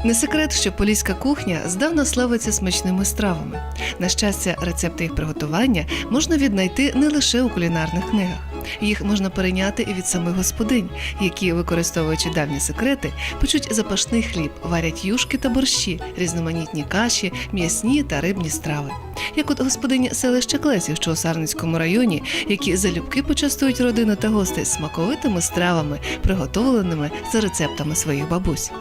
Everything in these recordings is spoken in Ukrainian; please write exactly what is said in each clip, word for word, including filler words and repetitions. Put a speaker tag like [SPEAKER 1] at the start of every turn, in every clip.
[SPEAKER 1] Не секрет, що поліська кухня здавна славиться смачними стравами. На щастя, рецепти їх приготування можна віднайти не лише у кулінарних книгах. Їх можна перейняти і від самих господинь, які, використовуючи давні секрети, печуть запашний хліб, варять юшки та борщі, різноманітні каші, м'ясні та рибні страви. Як от господині селища Клесів, що у Сарненському районі, які залюбки почастують родину та гостей смаковитими стравами, приготовленими за рецептами своїх бабусь.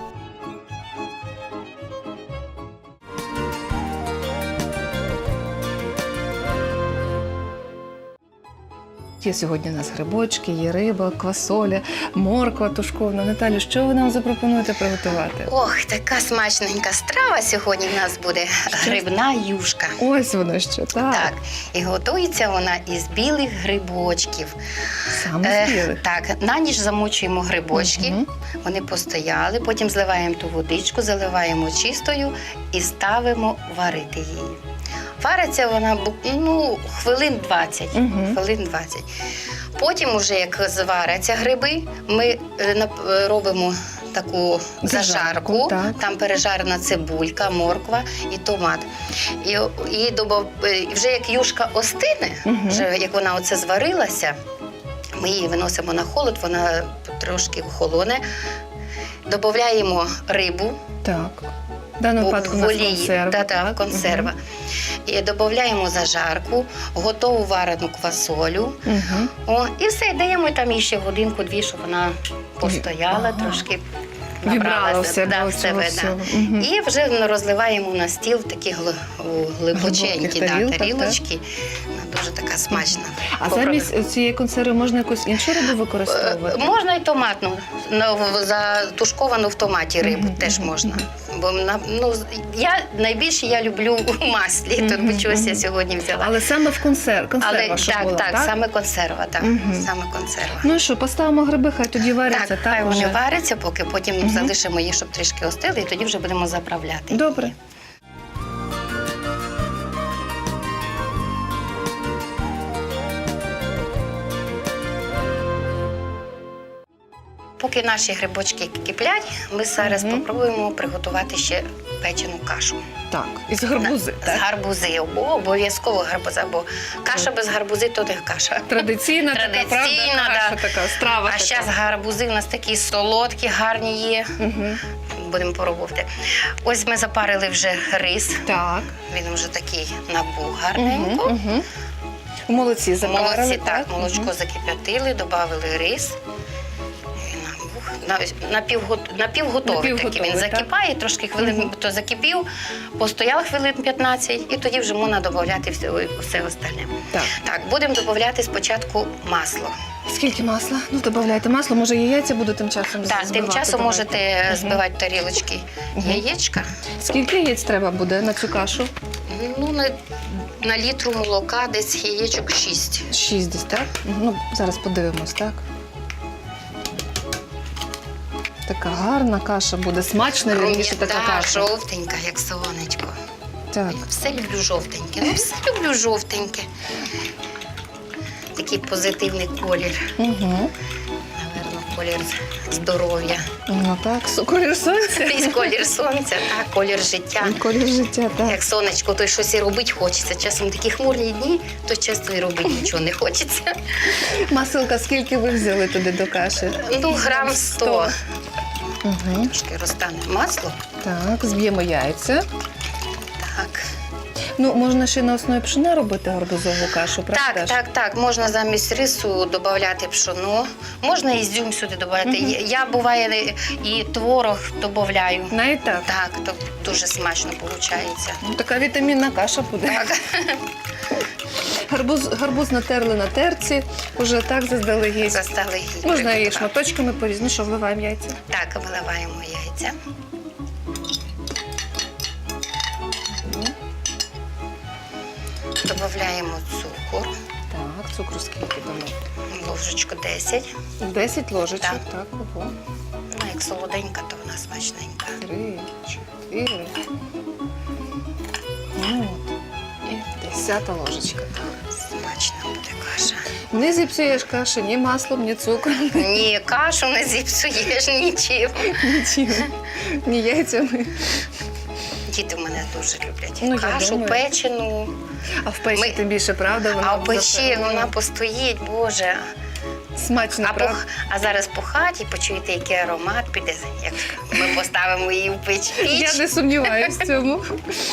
[SPEAKER 1] Є сьогодні у нас грибочки, є риба, квасоля, морква тушкована. Наталю, що ви нам запропонуєте приготувати?
[SPEAKER 2] Ох, така смачненька страва сьогодні в нас буде грибна юшка.
[SPEAKER 1] Ось воно що, так.
[SPEAKER 2] Так, і готується вона із білих грибочків.
[SPEAKER 1] Саме з білих?
[SPEAKER 2] Е, так, на ніч замочуємо грибочки,
[SPEAKER 1] Угу.
[SPEAKER 2] вони постояли, потім зливаємо ту водичку, заливаємо чистою і ставимо варити її. Вариться вона, ну, хвилин двадцять.
[SPEAKER 1] Угу.
[SPEAKER 2] Хвилин двадцять. Потім, уже як зваряться гриби, ми е, нап- робимо таку
[SPEAKER 1] Зажарку,
[SPEAKER 2] зажарку.
[SPEAKER 1] так.
[SPEAKER 2] Там пережарена цибулька, морква і томат. І, і добав, е, вже як юшка остине,
[SPEAKER 1] Угу.
[SPEAKER 2] вже як вона оце зварилася, ми її виносимо на холод, вона трошки холоне. Додаємо рибу.
[SPEAKER 1] Так. В даному випадку у нас консерва.
[SPEAKER 2] Да, да, консерва. І додаємо зажарку, готову варену квасолю.
[SPEAKER 1] Угу.
[SPEAKER 2] О, і все, даємо там їй ще годинку-дві, щоб вона постояла,
[SPEAKER 1] Ага.
[SPEAKER 2] трошки
[SPEAKER 1] Вібрала
[SPEAKER 2] набралася,
[SPEAKER 1] в себе
[SPEAKER 2] да, в
[SPEAKER 1] оцього
[SPEAKER 2] себе,
[SPEAKER 1] всього.
[SPEAKER 2] да.
[SPEAKER 1] Мгм.
[SPEAKER 2] І вже розливаємо на стіл в такі гли- у глибоченькі
[SPEAKER 1] Глибоких
[SPEAKER 2] да,
[SPEAKER 1] тарілках,
[SPEAKER 2] тарілочки. Вона дуже така смачна.
[SPEAKER 1] А
[SPEAKER 2] Попробуй.
[SPEAKER 1] замість цієї консерви можна якусь іншу рибу використовувати?
[SPEAKER 2] Е, Можна і томатну, ну, в- затушковану в томаті рибу
[SPEAKER 1] Мгм,
[SPEAKER 2] теж
[SPEAKER 1] мгм,
[SPEAKER 2] можна. Бо на- ну, я найбільше я люблю у маслі, тут
[SPEAKER 1] Мгм,
[SPEAKER 2] би чогось я
[SPEAKER 1] мгм.
[SPEAKER 2] сьогодні взяла.
[SPEAKER 1] Але саме в консерв, консерва,
[SPEAKER 2] Але
[SPEAKER 1] щоб
[SPEAKER 2] так,
[SPEAKER 1] була,
[SPEAKER 2] так,
[SPEAKER 1] так?
[SPEAKER 2] саме консерва, так,
[SPEAKER 1] Мгм.
[SPEAKER 2] саме консерва.
[SPEAKER 1] Ну і що, поставимо гриби, хай тоді варяться,
[SPEAKER 2] Так,
[SPEAKER 1] так?
[SPEAKER 2] хай вони
[SPEAKER 1] вже?
[SPEAKER 2] варяться, поки потім
[SPEAKER 1] Мгм.
[SPEAKER 2] залишимо їх, щоб трішки остили, і тоді вже будемо заправляти.
[SPEAKER 1] Добре.
[SPEAKER 2] Поки наші грибочки киплять, ми зараз
[SPEAKER 1] Мгм.
[SPEAKER 2] спробуємо приготувати ще печену кашу.
[SPEAKER 1] Так, із гарбузи,
[SPEAKER 2] З
[SPEAKER 1] так?
[SPEAKER 2] гарбузи, О, обов'язково гарбуза, бо каша без гарбузи то не каша.
[SPEAKER 1] Традиційна, така, правда,
[SPEAKER 2] Традиційна,
[SPEAKER 1] каша
[SPEAKER 2] да.
[SPEAKER 1] така, страва
[SPEAKER 2] А
[SPEAKER 1] така.
[SPEAKER 2] зараз гарбузи у нас такі солодкі, гарні є.
[SPEAKER 1] Угу.
[SPEAKER 2] Будемо пробувати. Ось ми запарили вже рис.
[SPEAKER 1] Так.
[SPEAKER 2] Він вже такий набух
[SPEAKER 1] Угу,
[SPEAKER 2] гарненько.
[SPEAKER 1] угу. Молодці, запарили,
[SPEAKER 2] Молодці, так, молочко
[SPEAKER 1] Мгм.
[SPEAKER 2] закип'ятили, додали рис. Він набух. На- Напівгот... Напівготовий такий. Він
[SPEAKER 1] Напівготовий, так.
[SPEAKER 2] закипає, трошки хвилин
[SPEAKER 1] Мгм.
[SPEAKER 2] то закипів, постояв хвилин п'ятнадцять, і тоді вже можна додати все, все остальне.
[SPEAKER 1] Так.
[SPEAKER 2] Так, будемо додати спочатку масло.
[SPEAKER 1] Скільки масла? Ну, додавайте масло, може яйця буду тим часом
[SPEAKER 2] Так, тим
[SPEAKER 1] збивати,
[SPEAKER 2] часом
[SPEAKER 1] давайте.
[SPEAKER 2] можете
[SPEAKER 1] Мгм.
[SPEAKER 2] збивати тарілочки
[SPEAKER 1] Мгм.
[SPEAKER 2] яєчка.
[SPEAKER 1] Скільки яєць треба буде на цю кашу?
[SPEAKER 2] Ну, на, на літру молока десь яєчок шість.
[SPEAKER 1] Шість десь, так? Ну, зараз подивимось, так? Така гарна каша буде, смачна, вірніше, така
[SPEAKER 2] Рум'яна,
[SPEAKER 1] каша.
[SPEAKER 2] жовтенька, як сонечко.
[SPEAKER 1] Так.
[SPEAKER 2] Все люблю жовтеньке. Ну, все люблю жовтеньке. Такий позитивний колір.
[SPEAKER 1] Угу.
[SPEAKER 2] Наверно, колір здоров'я.
[SPEAKER 1] Ну так, Су- колір сонця.
[SPEAKER 2] Якийсь колір сонця, так, колір життя.
[SPEAKER 1] Колір життя, так.
[SPEAKER 2] Як сонечко, то й щось і робити хочеться. Часом такі хмурні дні, то часто і робити нічого не хочеться.
[SPEAKER 1] Масилка, скільки ви взяли туди до каші?
[SPEAKER 2] Ну, грам сто.
[SPEAKER 1] Угу.
[SPEAKER 2] Трошки розтане масло.
[SPEAKER 1] Так, зб'ємо яйця.
[SPEAKER 2] Так.
[SPEAKER 1] Ну, можна ще на основі пшена робити гарбузову кашу, правда?
[SPEAKER 2] Так,
[SPEAKER 1] ж?
[SPEAKER 2] так, так. Можна замість рису додати пшоно, можна і ізюм сюди додати.
[SPEAKER 1] Мгм.
[SPEAKER 2] Я, я буває і творог додаю.
[SPEAKER 1] Навіть так.
[SPEAKER 2] Так, то дуже смачно виходить.
[SPEAKER 1] Ну, така вітамінна каша буде.
[SPEAKER 2] Так.
[SPEAKER 1] Гарбуз, гарбуз натерли на терці, уже так заздалегідь.
[SPEAKER 2] Заздалегідь.
[SPEAKER 1] Можна її
[SPEAKER 2] Так.
[SPEAKER 1] шматочками порізати. Ну що, вливаємо яйця?
[SPEAKER 2] Так, виливаємо яйця. Додаємо цукор,
[SPEAKER 1] Так, цукру скільки дамо?
[SPEAKER 2] ложечку десять.
[SPEAKER 1] Десять ложечок.
[SPEAKER 2] Так.
[SPEAKER 1] Так, ого.
[SPEAKER 2] Ну, як солоденька, то вона смачненька.
[SPEAKER 1] Три, чотири. Ну, от. І десята ложечка. Так.
[SPEAKER 2] Смачна буде каша.
[SPEAKER 1] Не зіпсуєш каші ні маслом, ні цукром,
[SPEAKER 2] Ні, кашу не зіпсуєш нічим.
[SPEAKER 1] нічим, ні яйцями.
[SPEAKER 2] Діти в мене дуже люблять
[SPEAKER 1] Ну, я
[SPEAKER 2] кашу,
[SPEAKER 1] думаю.
[SPEAKER 2] печену.
[SPEAKER 1] А в печі
[SPEAKER 2] Ми-
[SPEAKER 1] тим більше, правда? Вона
[SPEAKER 2] А в печі
[SPEAKER 1] зафарбована.
[SPEAKER 2] вона постоїть, Боже.
[SPEAKER 1] Смачно,
[SPEAKER 2] А, по,
[SPEAKER 1] правда?
[SPEAKER 2] а зараз по хаті почуєте, який аромат піде, як ми поставимо її в печ.
[SPEAKER 1] Я
[SPEAKER 2] піч.
[SPEAKER 1] не сумніваюся в цьому.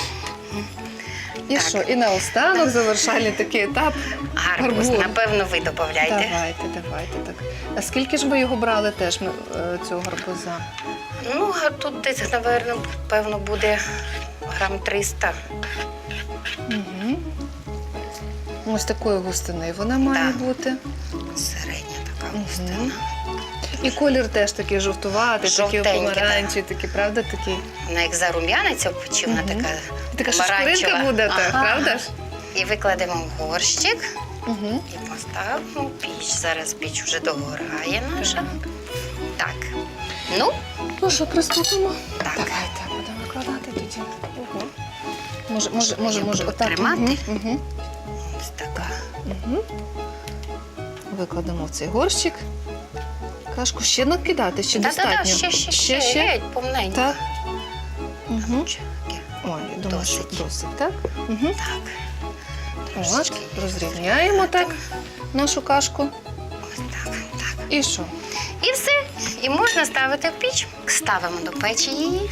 [SPEAKER 1] І
[SPEAKER 2] Так.
[SPEAKER 1] що? І наостанок завершальний такий етап.
[SPEAKER 2] Гарбуз,
[SPEAKER 1] Гарбуз.
[SPEAKER 2] напевно, ви додаєте.
[SPEAKER 1] Давайте, давайте так. А скільки ж ми його брали теж ми, е, цього гарбуза?
[SPEAKER 2] Ну, а тут десь, напевно, певно, буде грам триста.
[SPEAKER 1] Угу. Ось такої густини вона має
[SPEAKER 2] Так.
[SPEAKER 1] бути.
[SPEAKER 2] Середня така
[SPEAKER 1] Мгм.
[SPEAKER 2] густина.
[SPEAKER 1] І колір теж такий жовтуватий, такий
[SPEAKER 2] Жовтенький,
[SPEAKER 1] помаранчевий, такий, правда, такий.
[SPEAKER 2] Вона як зарум'яниться в печі, вона
[SPEAKER 1] Мгм.
[SPEAKER 2] така
[SPEAKER 1] Така
[SPEAKER 2] помаранчева.
[SPEAKER 1] шкуринка буде, так,
[SPEAKER 2] Ага.
[SPEAKER 1] правда ж?
[SPEAKER 2] І викладемо в горщик
[SPEAKER 1] Угу.
[SPEAKER 2] і поставимо в піч. Зараз піч вже догорає наша. Так. Ну,
[SPEAKER 1] Ну що, приступимо?
[SPEAKER 2] Так.
[SPEAKER 1] Давайте, будемо викладати тоді. Ого. Може, може, може,
[SPEAKER 2] Я
[SPEAKER 1] може,
[SPEAKER 2] буду
[SPEAKER 1] отак.
[SPEAKER 2] тримати.
[SPEAKER 1] Угу.
[SPEAKER 2] ось така.
[SPEAKER 1] Угу. Викладемо в цей горщик. Кашку ще накидати, ще достатньо.
[SPEAKER 2] Та-та-та, ще, ще, ще, ще, геть, повненько.
[SPEAKER 1] Так. Угу.
[SPEAKER 2] Чекай.
[SPEAKER 1] Ой, я думаю, що
[SPEAKER 2] Досить.
[SPEAKER 1] досить, так? Угу.
[SPEAKER 2] Так.
[SPEAKER 1] От,
[SPEAKER 2] Трошечки.
[SPEAKER 1] розрівняємо так нашу кашку.
[SPEAKER 2] Ось так, так.
[SPEAKER 1] І що?
[SPEAKER 2] І все. І можна ставити в піч. Ставимо до печі її.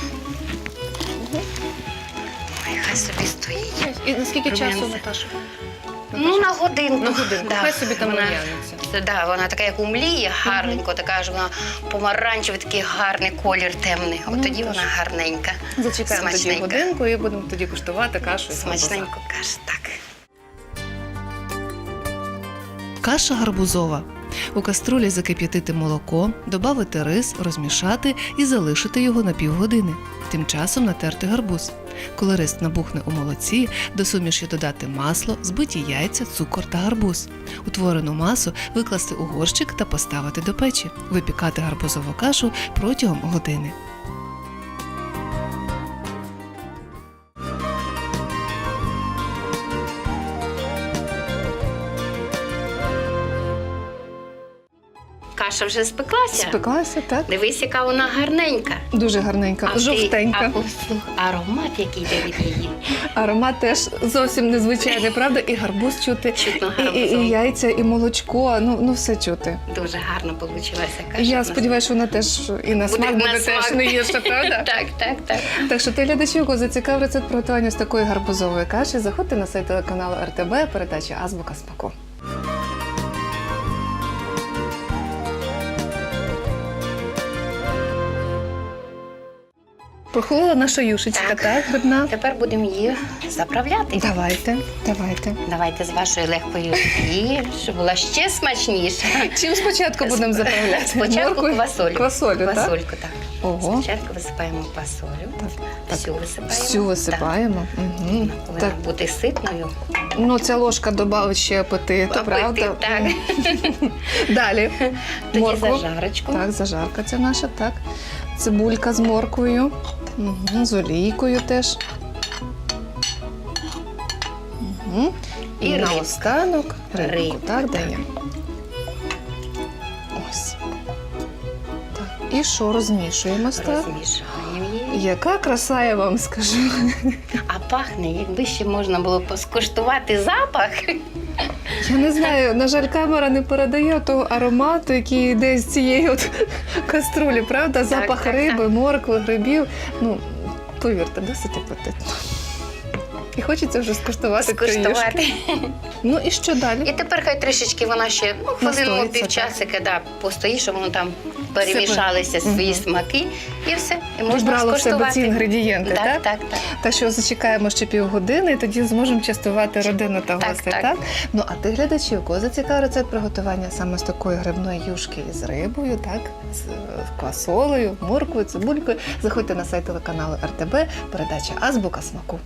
[SPEAKER 2] Ой, хай собі стоїть.
[SPEAKER 1] І наскільки часу,
[SPEAKER 2] Рум'янце.
[SPEAKER 1] Наташа?
[SPEAKER 2] Ну, на годинку.
[SPEAKER 1] На годинку.
[SPEAKER 2] Да.
[SPEAKER 1] Хай собі там
[SPEAKER 2] вона,
[SPEAKER 1] рум'яниться.
[SPEAKER 2] це, да, вона така, як умліє, гарненько, така ж вона помаранчевий, такий гарний колір темний. От
[SPEAKER 1] Ну,
[SPEAKER 2] тоді
[SPEAKER 1] тож.
[SPEAKER 2] вона гарненька.
[SPEAKER 1] Зачекаємо тоді
[SPEAKER 2] Смачненько.
[SPEAKER 1] годинку і будемо тоді куштувати кашу із гарбуза.
[SPEAKER 2] Смачненько каже, так.
[SPEAKER 1] Каша гарбузова. У каструлі закип'ятити молоко, додати рис, розмішати і залишити його на півгодини. Тим часом натерти гарбуз. Коли рис набухне у молоці, до суміші додати масло, збиті яйця, цукор та гарбуз. Утворену масу викласти у горщик та поставити до печі. Випікати гарбузову кашу протягом години.
[SPEAKER 2] Каша вже спеклася.
[SPEAKER 1] Спеклася, так?
[SPEAKER 2] Дивись, яка вона гарненька.
[SPEAKER 1] Дуже гарненька,
[SPEAKER 2] А ти-
[SPEAKER 1] жовтенька.
[SPEAKER 2] а послух, аромат, який йде від її.
[SPEAKER 1] Аромат теж зовсім незвичайний, правда? І гарбуз чути,
[SPEAKER 2] Чутно
[SPEAKER 1] і, і,
[SPEAKER 2] гарбузом.
[SPEAKER 1] і яйця, і молочко, ну, ну все чути.
[SPEAKER 2] Дуже гарно вийшла каша.
[SPEAKER 1] Я
[SPEAKER 2] в нас.
[SPEAKER 1] сподіваюся, що вона теж і на
[SPEAKER 2] Буде
[SPEAKER 1] смак
[SPEAKER 2] на
[SPEAKER 1] буде теж
[SPEAKER 2] смак.
[SPEAKER 1] не гірша, правда?
[SPEAKER 2] Так, так, так.
[SPEAKER 1] Так що ти, глядачі, кого зацікав рецепт приготування з такої гарбузової каші, заходьте на сайт телеканалу ер те бе, передача Азбука смаку. Прохолола наша юшечка,
[SPEAKER 2] Так.
[SPEAKER 1] так, грибна?
[SPEAKER 2] Тепер будемо її заправляти.
[SPEAKER 1] Давайте, давайте.
[SPEAKER 2] Давайте з вашою легкою олією, щоб була ще смачніша.
[SPEAKER 1] Чим спочатку будемо заправляти?
[SPEAKER 2] Спочатку
[SPEAKER 1] Морквою?
[SPEAKER 2] квасолю.
[SPEAKER 1] Квасолю, так?
[SPEAKER 2] Квасольку, так.
[SPEAKER 1] Ого.
[SPEAKER 2] Спочатку висипаємо квасолю.
[SPEAKER 1] Так, так.
[SPEAKER 2] Всю висипаємо.
[SPEAKER 1] Всю висипаємо.
[SPEAKER 2] Так.
[SPEAKER 1] Угу.
[SPEAKER 2] Вона повинна
[SPEAKER 1] Так.
[SPEAKER 2] бути ситною.
[SPEAKER 1] Ну, ця ложка додавить ще апетиту,
[SPEAKER 2] Апетит,
[SPEAKER 1] правда?
[SPEAKER 2] так.
[SPEAKER 1] Далі.
[SPEAKER 2] Тоді
[SPEAKER 1] Моркву.
[SPEAKER 2] зажарочку.
[SPEAKER 1] Так, зажарка ця наша, так. Цибулька з морквою. Угу. З олійкою теж. Угу. І,
[SPEAKER 2] І рибка.
[SPEAKER 1] наостанок рибку,
[SPEAKER 2] Рибка,
[SPEAKER 1] так,
[SPEAKER 2] так.
[SPEAKER 1] даємо. Ось. Так. І що, розмішуємось, так?
[SPEAKER 2] Розмішаємо її.
[SPEAKER 1] Яка краса, я вам скажу.
[SPEAKER 2] А пахне, якби ще можна було поскуштувати запах.
[SPEAKER 1] Я не знаю, на жаль, камера не передає того аромату, який йде з цієї от каструлі, правда? Запах
[SPEAKER 2] так,
[SPEAKER 1] риби,
[SPEAKER 2] так.
[SPEAKER 1] моркви, грибів. Ну, повірте, досить апетитно. І хочеться вже скуштувати ту їжку.
[SPEAKER 2] Скуштувати.
[SPEAKER 1] Ну і що
[SPEAKER 2] І
[SPEAKER 1] далі?
[SPEAKER 2] тепер хай трішечки вона ще ну, хвилину
[SPEAKER 1] Настоїться,
[SPEAKER 2] півчасика да, постоїть, щоб воно там перемішалися
[SPEAKER 1] Все.
[SPEAKER 2] свої
[SPEAKER 1] Мгм.
[SPEAKER 2] смаки і все. І можна
[SPEAKER 1] Вбрало в себе
[SPEAKER 2] скуштувати.
[SPEAKER 1] ці інгредієнти, так?
[SPEAKER 2] Так, так, так.
[SPEAKER 1] Так що зачекаємо ще півгодини, і тоді зможемо частувати родину та
[SPEAKER 2] Так,
[SPEAKER 1] гостей,
[SPEAKER 2] так.
[SPEAKER 1] так? Ну, а ти, глядачі, у кого зацікавив рецепт приготування саме з такої грибної юшки із рибою, так? З е, квасолею, морквою, цибулькою, заходьте на сайт телеканалу ер те бе, передача Азбука смаку.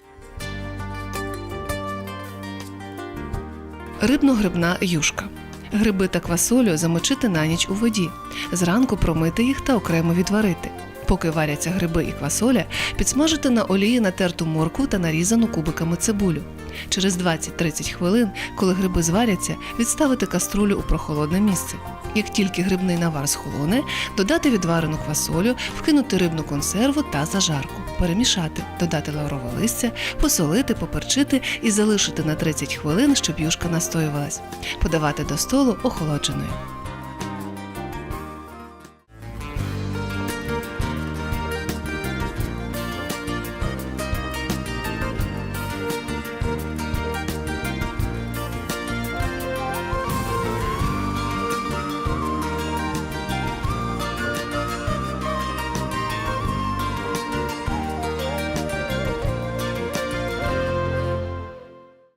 [SPEAKER 1] Рибно-грибна юшка. Гриби та квасолю замочити на ніч у воді. Зранку промити їх та окремо відварити. Поки варяться гриби і квасоля, підсмажити на олії натерту моркву та нарізану кубиками цибулю. Через двадцять-тридцять хвилин, коли гриби зваряться, відставити каструлю у прохолодне місце. Як тільки грибний навар схолоне, додати відварену квасолю, вкинути рибну консерву та зажарку, перемішати, додати лаврове листя, посолити, поперчити і залишити на тридцять хвилин, щоб юшка настоювалась. Подавати до столу охолодженою.